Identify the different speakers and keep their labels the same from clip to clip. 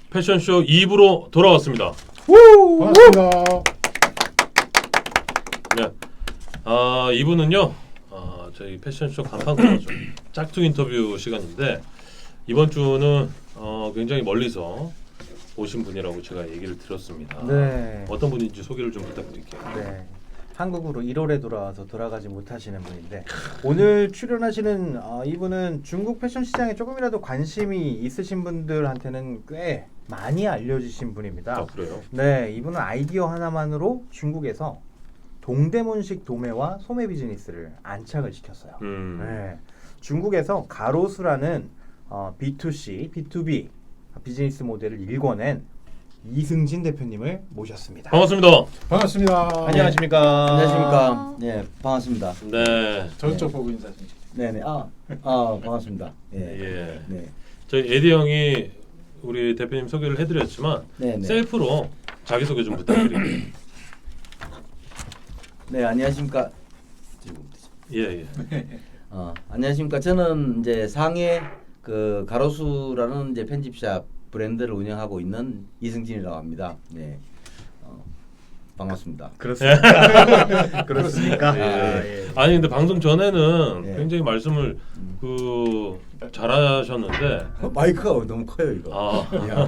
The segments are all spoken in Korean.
Speaker 1: 패션쇼 2부로 돌아왔습니다.
Speaker 2: 반갑습니다.
Speaker 1: 네. 2부는요. 저희 패션쇼 간판 코너죠. 짝퉁 인터뷰 시간인데 이번 주는 굉장히 멀리서 오신 분이라고 제가 얘기를 들었습니다.
Speaker 3: 네.
Speaker 1: 어떤 분인지 소개를 좀 부탁드릴게요.
Speaker 3: 네. 한국으로 1월에 돌아와서 돌아가지 못하시는 분인데 오늘 출연하시는 이분은 중국 패션 시장에 조금이라도 관심이 있으신 분들한테는 꽤 많이 알려주신 분입니다.
Speaker 1: 그래요?
Speaker 3: 네, 이분은 아이디어 하나만으로 중국에서 동대문식 도매와 소매 비즈니스를 안착을 시켰어요. 네. 중국에서 가로수라는 B2C, B2B 비즈니스 모델을 일궈낸 이승진 대표님을 모셨습니다.
Speaker 1: 반갑습니다.
Speaker 2: 반갑습니다.
Speaker 3: 안녕하십니까?
Speaker 4: 안녕하십니까. 네, 반갑습니다.
Speaker 1: 네.
Speaker 2: 저쪽 보고 인사 좀.
Speaker 4: 네네. 반갑습니다. 예.
Speaker 1: 예.
Speaker 4: 네.
Speaker 1: 저희 에디 형이 우리 대표님 소개를 해드렸지만
Speaker 4: 네네.
Speaker 1: 셀프로 자기소개 좀 부탁드립니다.
Speaker 4: 네, 안녕하십니까.
Speaker 1: 예.
Speaker 4: 안녕하십니까. 저는 이제 상해 그 가로수라는 이제 편집샵 브랜드를 운영하고 있는 이승진이라고 합니다. 네. 반갑습니다.
Speaker 3: 그렇습니까? 그렇습니까?
Speaker 1: 예. 아니 근데 방송 전에는
Speaker 4: 예.
Speaker 1: 굉장히 말씀을 잘하셨는데
Speaker 4: 마이크가 너무 커요, 이거.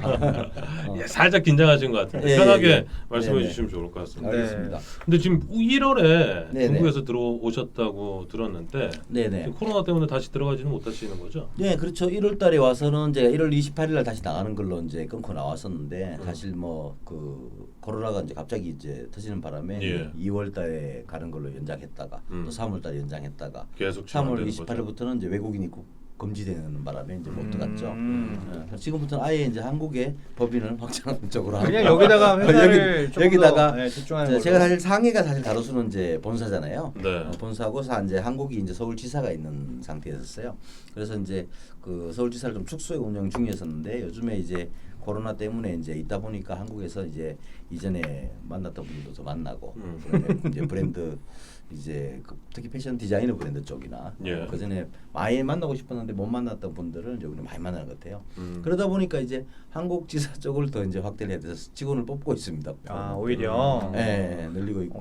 Speaker 1: 예, 살짝 긴장하신 것 같은데
Speaker 4: 예,
Speaker 1: 편하게
Speaker 4: 예.
Speaker 1: 말씀해
Speaker 4: 네네.
Speaker 1: 주시면 좋을 것 같습니다.
Speaker 4: 알겠습니다.
Speaker 1: 근데 지금 1월에
Speaker 4: 네네.
Speaker 1: 중국에서 들어오셨다고 들었는데
Speaker 4: 네네.
Speaker 1: 지금 코로나 때문에 다시 들어가지는 못하시는 거죠?
Speaker 4: 네, 그렇죠. 1월 달에 와서는 제가 1월 28일 날 다시 나가는 걸로 이제 끊고 나왔었는데 사실 뭐 그 코로나가 이제 갑자기 이제 터지는 바람에
Speaker 1: 예.
Speaker 4: 2월 달에 가는 걸로 연장했다가 또 3월 달에 연장했다가
Speaker 1: 계속
Speaker 4: 3월
Speaker 1: 진행되는 거죠?
Speaker 4: 28일부터는 이제 외국인 입국 금지되는 바람에 이제 못 들어갔죠.
Speaker 3: 음.
Speaker 4: 지금부터는 아예 이제 한국의 법인을 확장하는 쪽으로
Speaker 3: 그냥
Speaker 4: 하고.
Speaker 3: 여기다가 회사를 조금
Speaker 4: 여기다가
Speaker 3: 더, 네, 집중하는 걸로.
Speaker 4: 제가 사실 상해가 사실 가로수는 이제 본사잖아요.
Speaker 1: 네.
Speaker 4: 본사고 이제 한국이 이제 서울지사가 있는 상태였어요. 그래서 이제 그 서울지사를 좀 축소해 운영 중이었었는데 요즘에 이제 코로나 때문에 이제 있다 보니까 한국에서 이제 이전에 만났던 분들도 더 만나고 그다음에 이제 브랜드 이제 특히 패션 디자이너 브랜드 쪽이나
Speaker 1: 예.
Speaker 4: 그 전에 많이 만나고 싶었는데 못 만났던 분들을 이제 우리 많이 만나는 것 같아요. 그러다 보니까 이제 한국 지사 쪽을 더 이제 확대를 해야 돼서 직원을 뽑고 있습니다.
Speaker 3: 오히려
Speaker 4: 네, 늘리고 있고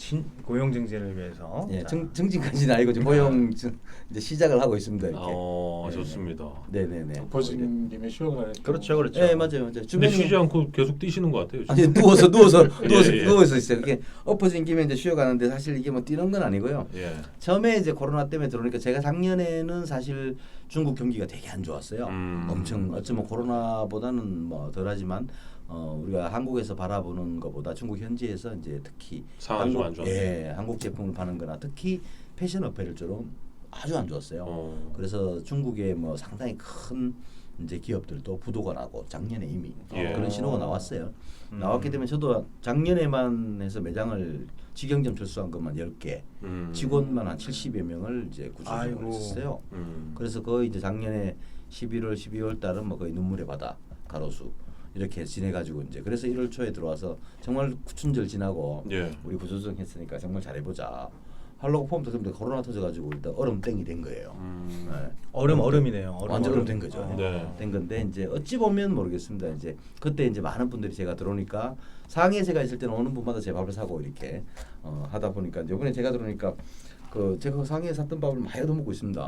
Speaker 3: 고용 증진을 위해서.
Speaker 4: 예,
Speaker 3: 자,
Speaker 4: 증진까지는 아니고 이제 고용 이제 시작을 하고 있습니다. 이렇게.
Speaker 1: 좋습니다.
Speaker 4: 네네네.
Speaker 2: 버진 김에 쉬어가는.
Speaker 3: 그렇죠.
Speaker 4: 네, 맞아요.
Speaker 1: 근데
Speaker 4: 주변에
Speaker 1: 쉬지 않고 계속 뛰시는 것 같아요. 지금.
Speaker 4: 아니 누워서
Speaker 1: 예.
Speaker 4: 누워서 있어요. 이게 엎어진 김에 이제 쉬어가는데 사실 이게 뭐 뛰는 건 아니고요.
Speaker 1: 예.
Speaker 4: 처음에 이제 코로나 때문에 들어오니까 제가 작년에는 사실 중국 경기가 되게 안 좋았어요. 엄청 어쩌면 코로나보다는 뭐 덜하지만 우리가 한국에서 바라보는 것보다 중국 현지에서 이제 특히
Speaker 1: 상황이 좀 안 좋았어요.
Speaker 4: 예, 한국 제품을 파는거나 특히 패션 어페럴처럼 아주 안 좋았어요. 그래서 중국에 뭐 상당히 큰 이제 기업들도 부도가 나고 작년에 이미
Speaker 1: 예.
Speaker 4: 그런 신호가 나왔어요. 나왔기 때문에 저도 작년에만 해서 매장을 직영점 철수한 것만 10개, 직원만 한 70여 명을 이제 구조조정을 했었어요. 그래서 거의 이제 작년에 11월, 12월 달은 뭐 거의 눈물의 바다, 가로수 이렇게 지내가지고 이제 그래서 1월 초에 들어와서 정말 구춘절 지나고
Speaker 1: 예.
Speaker 4: 우리 구조조정 했으니까 정말 잘해보자. 하려고 폼 터졌는데 코로나 터져가지고 일단 얼음땡이 된 거예요. 네.
Speaker 3: 얼음이네요.
Speaker 4: 완전 얼음 된 거죠.
Speaker 1: 네.
Speaker 4: 된 건데 이제 어찌 보면 모르겠습니다. 이제 그때 이제 많은 분들이 제가 들어오니까 상해 제가 있을 때는 오는 분마다 제 밥을 사고 이렇게 하다 보니까 이번에 제가 들어오니까 제가 상해에 샀던 밥을 많이 얻어먹고 있습니다.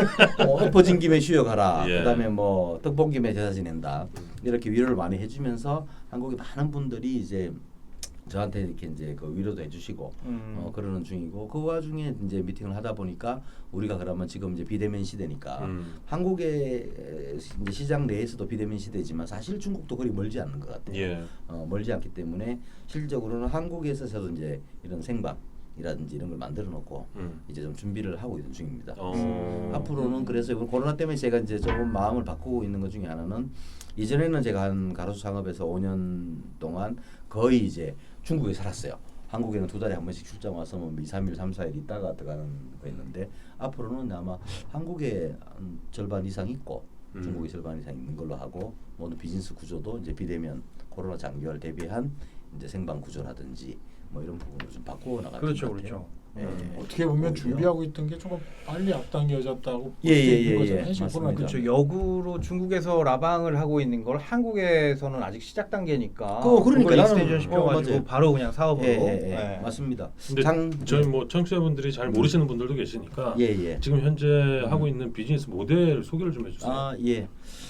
Speaker 4: 엎어진 김에 쉬어가라.
Speaker 1: 예.
Speaker 4: 그다음에 뭐 떡본 김에 제사 지낸다. 이렇게 위로를 많이 해주면서 한국의 많은 분들이 이제 저한테 이렇게 이제 그 위로도 해주시고 그러는 중이고 그 와중에 이제 미팅을 하다 보니까 우리가 그러면 지금 이제 비대면 시대니까 한국의 이제 시장 내에서도 비대면 시대지만 사실 중국도 그리 멀지 않는 것 같아요.
Speaker 1: 예.
Speaker 4: 멀지 않기 때문에 실질적으로는 한국에서 저도 이제 이런 생방이라든지 이런 걸 만들어 놓고 이제 좀 준비를 하고 있는 중입니다. 앞으로는 그래서 이번 코로나 때문에 제가 이제 조금 마음을 바꾸고 있는 것 중에 하나는 이전에는 제가 한 가로수 상업에서 5년 동안 거의 이제 중국에 살았어요. 한국에는 2달에 한 번씩 출장 와서 뭐 2, 3일, 3, 4일 있다가 들어가는 거였는데 앞으로는 아마 한국에 절반 이상 있고 중국에 절반 이상 있는 걸로 하고 모든 비즈니스 구조도 이제 비대면 코로나 장기화를 대비한 이제 생방 구조라든지 뭐 이런 부분을 좀 바꾸어 나갈 것
Speaker 3: 그렇죠,
Speaker 4: 같아요.
Speaker 3: 그렇죠.
Speaker 2: 어떻게 보면
Speaker 4: 오히려.
Speaker 2: 준비하고 있던 게 조금 빨리 앞당겨졌다고 볼
Speaker 4: 예,
Speaker 2: 수
Speaker 4: 예,
Speaker 2: 있는
Speaker 4: 예,
Speaker 2: 거잖아요.
Speaker 4: 예.
Speaker 2: 지금
Speaker 4: 맞습니다.
Speaker 2: 코로나
Speaker 3: 그렇죠.
Speaker 2: 때문에.
Speaker 3: 역으로 중국에서 라방을 하고 있는 걸 한국에서는 아직 시작 단계니까
Speaker 4: 그러니까
Speaker 3: 그걸
Speaker 4: 나는-
Speaker 3: 익스텐션 시켜가지고
Speaker 4: 맞아요.
Speaker 3: 바로 그냥 사업으로
Speaker 4: 예. 맞습니다.
Speaker 1: 근데 저희 뭐 청취자분들이 잘 모르시는 분들도 계시니까
Speaker 4: 예.
Speaker 1: 지금 현재 하고 있는 비즈니스 모델 소개를 좀 해주세요.
Speaker 4: 아, 예.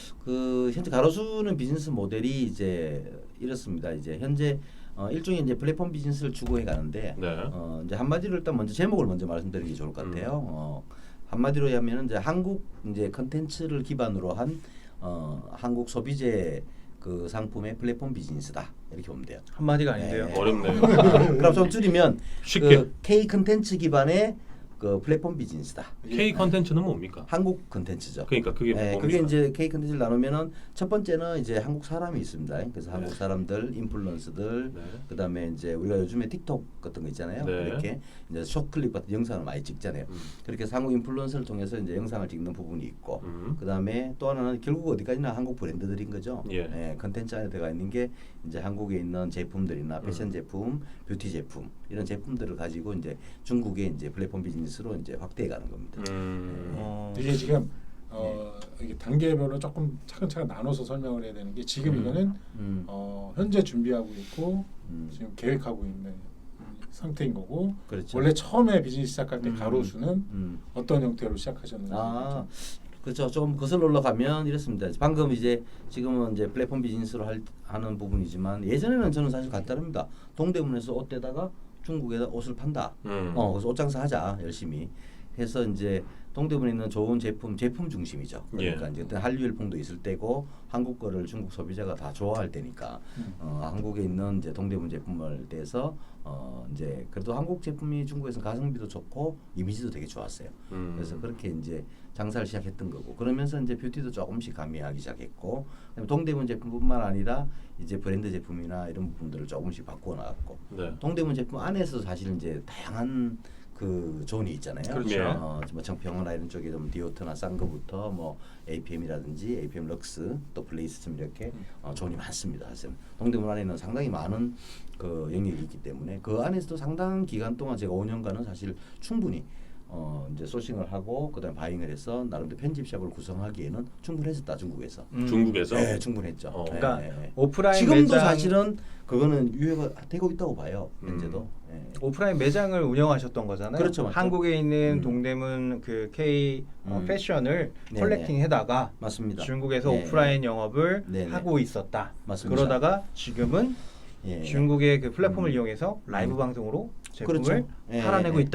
Speaker 4: 그 현재 가로수는 비즈니스 모델이 이제 이렇습니다. 이제 현재 일종의 이제 플랫폼 비즈니스를 추구해 가는데
Speaker 1: 네.
Speaker 4: 이제 한마디로 일단 먼저 제목을 먼저 말씀드리는 게 좋을 것 같아요. 한마디로 하면은 이제 한국 이제 컨텐츠를 기반으로 한 한국 소비재 그 상품의 플랫폼 비즈니스다 이렇게 보면 돼요.
Speaker 3: 한마디가 아닌데요.
Speaker 4: 네.
Speaker 1: 어렵네요.
Speaker 4: 그럼 좀 줄이면
Speaker 1: 쉽게.
Speaker 4: 그 K 컨텐츠 기반의 그 플랫폼 비즈니스다.
Speaker 1: K 컨텐츠는 뭡니까?
Speaker 4: 한국 컨텐츠죠.
Speaker 1: 그러니까 그게
Speaker 4: 네,
Speaker 1: 뭡니까?
Speaker 4: 그게 이제 K 컨텐츠를 나누면은 첫 번째는 이제 한국 사람이 있습니다. 그래서
Speaker 1: 네.
Speaker 4: 한국 사람들, 인플루언서들,
Speaker 1: 네.
Speaker 4: 그다음에 이제 우리가 요즘에 틱톡 같은 거 있잖아요.
Speaker 1: 네.
Speaker 4: 이렇게 이제 숏클립 같은 영상을 많이 찍잖아요. 그렇게 해서 한국 인플루언서를 통해서 이제 영상을 찍는 부분이 있고, 그다음에 또 하나는 결국 어디까지나 한국 브랜드들인 거죠.
Speaker 1: 예.
Speaker 4: 컨텐츠 안에 들어가 있는 게 이제 한국에 있는 제품들이나 패션 제품, 뷰티 제품 이런 제품들을 가지고 이제 중국의 이제 플랫폼 비즈니스로 이제 확대해 가는 겁니다.
Speaker 2: 이게 지금 이게 단계별로 조금 차근차근 나눠서 설명을 해야 되는 게 지금 이거는 현재 준비하고 있고 지금 계획하고 있는 상태인 거고
Speaker 4: 그렇죠.
Speaker 2: 원래 처음에 비즈니스 시작할 때 가로수는
Speaker 4: 음.
Speaker 2: 어떤 형태로 시작하셨는지
Speaker 4: 아, 그렇죠. 좀 거슬러 올라가면 이렇습니다. 방금 이제 지금은 이제 플랫폼 비즈니스로 하는 부분이지만 예전에는 저는 사실 간단합니다. 동대문에서 옷 떼다가 중국에다 옷을 판다. 그래서 옷 장사하자 열심히 해서 이제 동대문에 있는 좋은 제품 중심이죠. 그러니까 이제 그때 한류 열풍도 있을 때고 한국 거를 중국 소비자가 다 좋아할 때니까 한국에 있는 이제 동대문 제품을 떼서 이제 그래도 한국 제품이 중국에서 가성비도 좋고 이미지도 되게 좋았어요. 그래서 그렇게 이제 장사를 시작했던 거고 그러면서 이제 뷰티도 조금씩 가미하기 시작했고 동대문 제품뿐만 아니라 이제 브랜드 제품이나 이런 부분들을 조금씩 바꾸어 나갔고
Speaker 1: 네.
Speaker 4: 동대문 제품 안에서 사실 이제 다양한 그 존이 있잖아요.
Speaker 1: 그렇죠.
Speaker 4: 뭐 정평원이나 이런 쪽에 좀 디오트나 싼 거부터 뭐 APM이라든지 APM 럭스 또 플레이스쯤 이렇게 존이 많습니다. 사실 동대문 안에는 상당히 많은 그 영역이 있기 때문에 그 안에서도 상당한 기간 동안 제가 5년간은 사실 충분히 이제 소싱을 하고 그다음에 바잉을 해서 나름대로 편집샵을 구성하기에는 충분했었다 중국에서.
Speaker 1: 중국에서?
Speaker 4: 네, 충분했죠.
Speaker 3: 그러니까
Speaker 4: 네.
Speaker 3: 오프라인
Speaker 4: 지금도
Speaker 3: 매장,
Speaker 4: 사실은 그거는 유효가 되고 있다고 봐요. 현재도.
Speaker 3: 오프라인 매장을 운영하셨던 거잖아요.
Speaker 4: 그렇죠, 맞죠.
Speaker 3: 한국에 있는 동대문 그 K 패션을
Speaker 4: 네네.
Speaker 3: 컬렉팅해다가
Speaker 4: 맞습니다.
Speaker 3: 중국에서
Speaker 4: 네.
Speaker 3: 오프라인 영업을
Speaker 4: 네네.
Speaker 3: 하고 있었다.
Speaker 4: 맞습니다.
Speaker 3: 그러다가 지금은
Speaker 4: 예.
Speaker 3: 중국의 그 플랫폼을 이용해서 라이브 방송으로 제품을
Speaker 4: 그렇죠. 예,
Speaker 3: 팔아내고
Speaker 4: 예.
Speaker 3: 있다.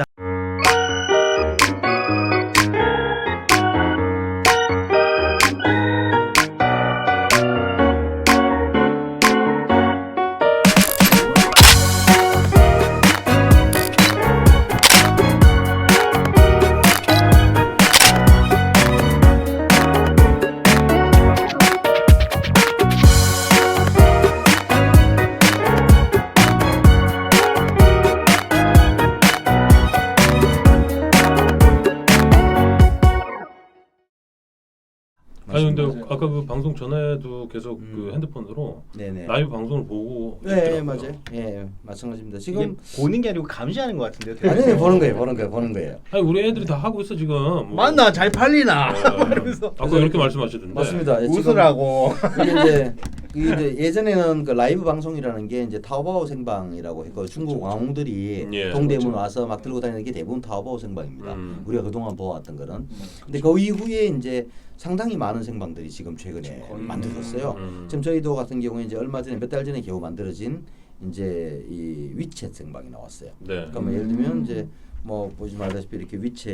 Speaker 1: 아니 근데
Speaker 2: 맞아요.
Speaker 1: 아까 그 방송 전에도 계속 그 핸드폰으로
Speaker 4: 네네.
Speaker 1: 라이브 방송을 보고
Speaker 4: 네,
Speaker 1: 있더라고요.
Speaker 4: 맞아요. 예, 마찬가지입니다.
Speaker 3: 이게
Speaker 4: 지금
Speaker 3: 보는 게 아니고 감시하는 것 같은데요.
Speaker 4: 아니 보는 거예요.
Speaker 1: 아니 우리 애들이 다 하고 있어 지금. 뭐.
Speaker 3: 맞나 잘 팔리나
Speaker 1: 네.
Speaker 3: 이러면서
Speaker 1: 아까 이렇게 말씀하시던데.
Speaker 4: 맞습니다. 지금
Speaker 3: 웃으라고.
Speaker 4: 이게 이제 예전에는 그 라이브 방송이라는 게 이제 타오바오 생방이라고 했고 중국 왕들이
Speaker 1: 예,
Speaker 4: 동대문 와서 막 들고 다니는 게 대부분 타오바오 생방입니다.
Speaker 1: 음.
Speaker 4: 우리가 그동안 보아왔던 거는. 근데 그 이후에 이제 상당히 많은 생방들이 지금 최근에 만들어졌어요. 지금 저희도 같은 경우에 이제 얼마 전에 몇 달 전에 겨우 만들어진 이제 이 위챗 생방이 나왔어요.
Speaker 1: 네.
Speaker 4: 그러니까 뭐 예를 들면 이제 뭐 보시면 알다시피 이렇게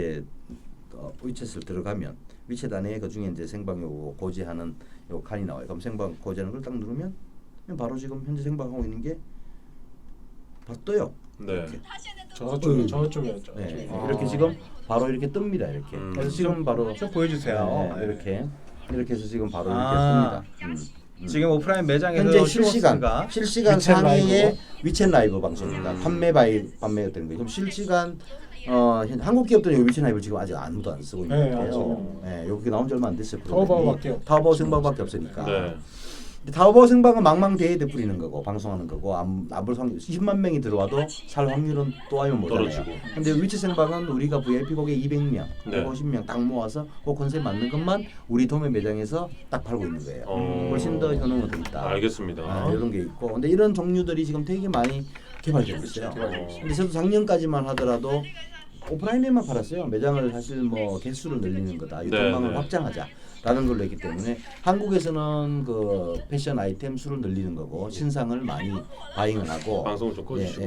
Speaker 4: 위챗을 들어가면 위챗 안에 그 중에 이제 생방 요거 고지하는 요 칸이 나와요. 그럼 생방 고지하는 걸 딱 누르면 그냥 바로 지금 현재 생방하고 있는 게 바로 떠요.
Speaker 1: 네.
Speaker 4: 이렇게.
Speaker 2: 저쪽이었죠.
Speaker 4: 네.
Speaker 3: 아.
Speaker 4: 이렇게 지금 바로 이렇게 뜹니다. 이렇게. 그래서 지금 바로
Speaker 3: 좀 보여주세요.
Speaker 4: 네, 이렇게 해서 지금 바로
Speaker 3: 아.
Speaker 4: 이렇게 뜹니다.
Speaker 3: 지금 오프라인 매장에서
Speaker 4: 현재 실시간
Speaker 3: 쇼호스트가
Speaker 2: 위챗
Speaker 4: 상위의 위챗 라이브 방송입니다. 판매가 되는 거예요. 그럼 실시간 한국 기업들은 위챗 라이브를 지금 아직 아무도 안 쓰고 있는
Speaker 2: 네,
Speaker 4: 거예요.
Speaker 2: 아직은.
Speaker 4: 네, 여기 나온 지 얼마 안 됐어요.
Speaker 2: 타오바오밖에 없죠.
Speaker 4: 타오바오 생방밖에 없으니까.
Speaker 1: 네.
Speaker 4: 타오바오 생방은 망망대해에 뿌리는 거고 방송하는 거고 아무리 10만 명이 들어와도 살 확률은 또 하면 못하잖아요.
Speaker 1: 떨어지고.
Speaker 4: 근데 위치 생방은 우리가 VIP 고객 200명,
Speaker 1: 네.
Speaker 4: 150명 딱 모아서 그 컨셉 맞는 것만 우리 도매 매장에서 딱 팔고 있는 거예요. 훨씬 더 효능은 더 있다.
Speaker 1: 알겠습니다.
Speaker 4: 이런 게 있고, 근데 이런 종류들이 지금 되게 많이 개발되고 있어요. 근데 저도 작년까지만 하더라도 오프라인에만 팔았어요. 매장을 사실 뭐 개수를 늘리는 거다, 유통망을
Speaker 1: 네.
Speaker 4: 확장하자라는 걸로 했기 때문에 한국에서는 그 패션 아이템 수를 늘리는 거고 신상을 많이 바잉을 하고
Speaker 1: 방송을 좀 꺼주시고요.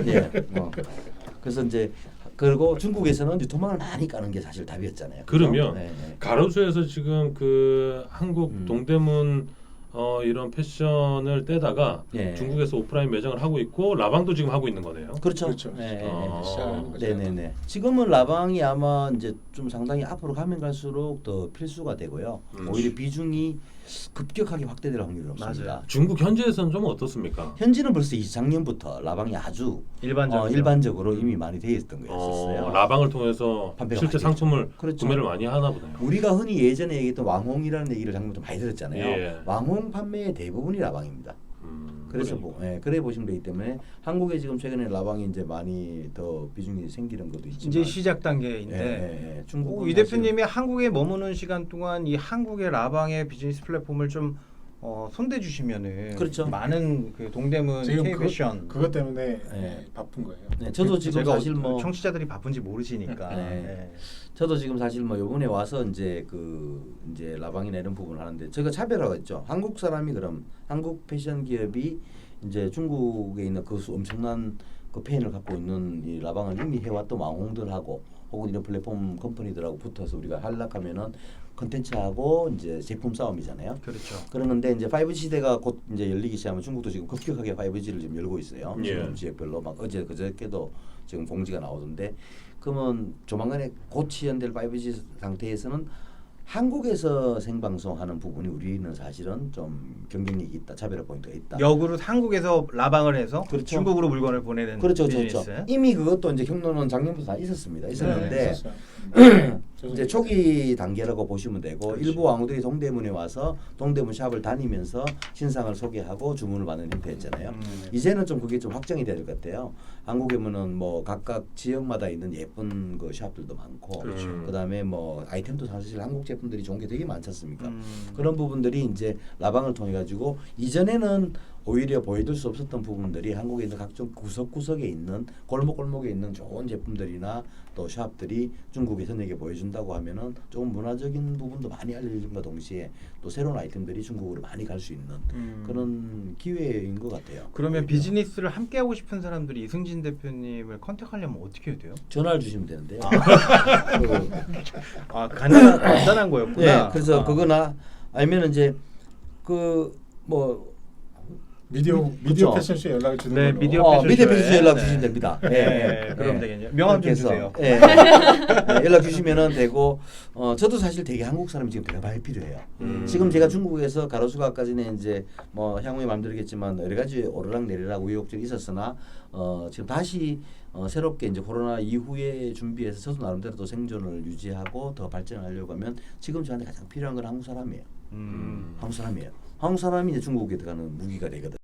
Speaker 4: 그래서 이제 그리고 중국에서는 유통망을 많이 까는 게 사실 답이었잖아요.
Speaker 1: 그러면
Speaker 4: 네.
Speaker 1: 가로수에서 지금 그 한국 동대문 이런 패션을 떼다가
Speaker 4: 예.
Speaker 1: 중국에서 오프라인 매장을 하고 있고 라방도 지금 하고 있는 거네요.
Speaker 4: 그렇죠.
Speaker 2: 그렇죠. 시작하는 거죠.
Speaker 4: 네네네. 지금은 라방이 아마 이제 좀 상당히 앞으로 가면 갈수록 더 필수가 되고요. 오히려 비중이 급격하게 확대될 확률이 높습니다.
Speaker 3: 맞아요.
Speaker 1: 중국 현지에서는 좀 어떻습니까?
Speaker 4: 현지는 벌써 작년부터 라방이 아주 일반적으로 이미 많이 되어 있던 거였었어요.
Speaker 1: 라방을 통해서
Speaker 4: 판매가
Speaker 1: 실제
Speaker 4: 많이
Speaker 1: 상품을
Speaker 4: 그렇죠.
Speaker 1: 구매를 많이 하나 보네요.
Speaker 4: 우리가 흔히 예전에 얘기했던 왕홍이라는 얘기를 작년부터 많이 들었잖아요.
Speaker 1: 예.
Speaker 4: 왕홍 판매의 대부분이 라방입니다. 그래서 그래 보시면 되기 때문에 한국에 지금 최근에 라방이 이제 많이 더 비중이 생기는 것도 있지만
Speaker 3: 이제 시작 단계인데
Speaker 4: 중국은
Speaker 3: 이 대표님이 한국에 머무는 시간 동안 이 한국의 라방의 비즈니스 플랫폼을 좀 손대 주시면은
Speaker 4: 그렇죠.
Speaker 3: 많은 그 동대문
Speaker 2: 지금
Speaker 3: K 패션
Speaker 2: 그것 때문에
Speaker 4: 네.
Speaker 2: 바쁜 거예요.
Speaker 4: 네, 저도 지금
Speaker 3: 제가
Speaker 4: 사실 뭐
Speaker 3: 청취자들이 바쁜지 모르시니까
Speaker 4: 네. 저도 지금 사실 뭐 이번에 와서 이제 이제 라방이나 이런 부분을 하는데 제가 차별화가 있죠. 한국 사람이 그럼 한국 패션 기업이 이제 중국에 있는 그 엄청난 그 팬을 갖고 있는 이 라방을 이미 해왔던 왕홍들하고 혹은 이런 플랫폼 컴퍼니들하고 붙어서 우리가 하려면은 컨텐츠하고 이제 제품 싸움이잖아요.
Speaker 3: 그렇죠.
Speaker 4: 그러는데 이제 5G 시대가 곧 이제 열리기 시작하면 중국도 지금 급격하게 5G를 지금 열고 있어요.
Speaker 1: 예.
Speaker 4: 지금 지역별로 막 그저께도 지금 공지가 나오던데 그러면 조만간에 곧 시연될 5G 상태에서는 한국에서 생방송하는 부분이 우리는 사실은 좀 경쟁력이 있다, 차별화 포인트가 있다.
Speaker 3: 역으로 한국에서 라방을 해서
Speaker 4: 그렇죠.
Speaker 3: 중국으로 물건을 보내는
Speaker 4: 그렇죠,
Speaker 3: 비즈니스.
Speaker 4: 그렇죠. 이미 그것도 이제 경로는 작년부터 다 있었습니다. 있었는데 이제 초기 단계라고 보시면 되고
Speaker 3: 그렇지.
Speaker 4: 일부 왕후들이 동대문에 와서 동대문 샵을 다니면서 신상을 소개하고 주문을 받는 형태였잖아요. 이제는 좀 그게 좀 확정이 돼야 될 것 같아요. 한국에 보면 뭐 각각 지역마다 있는 예쁜 그 샵들도 많고 그다음에 뭐 아이템도 사실 한국 제품들이 좋은 게 되게 많지 않습니까? 그런 부분들이 이제 라방을 통해 가지고 이전에는 오히려 보여줄 수 없었던 부분들이 한국에 있는 각종 구석구석에 있는 골목골목에 있는 좋은 제품들이나 또 샵들이 중국의 선에게 보여준다고 하면은 조금 문화적인 부분도 많이 알려진과 동시에 또 새로운 아이템들이 중국으로 많이 갈 수 있는 그런 기회인 것 같아요.
Speaker 3: 그러면 비즈니스를 함께 하고 싶은 사람들이 이승진 대표님을 컨택하려면 어떻게 해야 돼요?
Speaker 4: 전화를 주시면 되는데요.
Speaker 3: 간단한 거였구나.
Speaker 4: 네, 그래서 그거나 아니면 이제
Speaker 2: 미디어
Speaker 4: 그렇죠.
Speaker 2: 패션쇼 연락을 주는
Speaker 3: 네,
Speaker 2: 걸로.
Speaker 3: 미디어
Speaker 4: 미디어
Speaker 3: 패션쇼에.
Speaker 4: 패션쇼 연락
Speaker 3: 네.
Speaker 4: 주시면 됩니다.
Speaker 3: 네, 그럼 되겠네요. 명함 좀
Speaker 4: 그렇게 해서,
Speaker 3: 주세요.
Speaker 4: 연락 주시면은 되고 저도 사실 되게 한국 사람이 지금 되게 많이 필요해요. 지금 제가 중국에서 가로수가 아까 전에 이제 뭐 향후에 만들겠지만 여러 가지 오르락내리락 우여곡절이 있었으나 지금 다시 새롭게 이제 코로나 이후에 준비해서 저도 나름대로 또 생존을 유지하고 더 발전하려고 하면 지금 저한테 가장 필요한 건 한국 사람이에요. 한국 사람이에요. 한국 사람이 이제 중국에 들어가는 무기가 되거든요.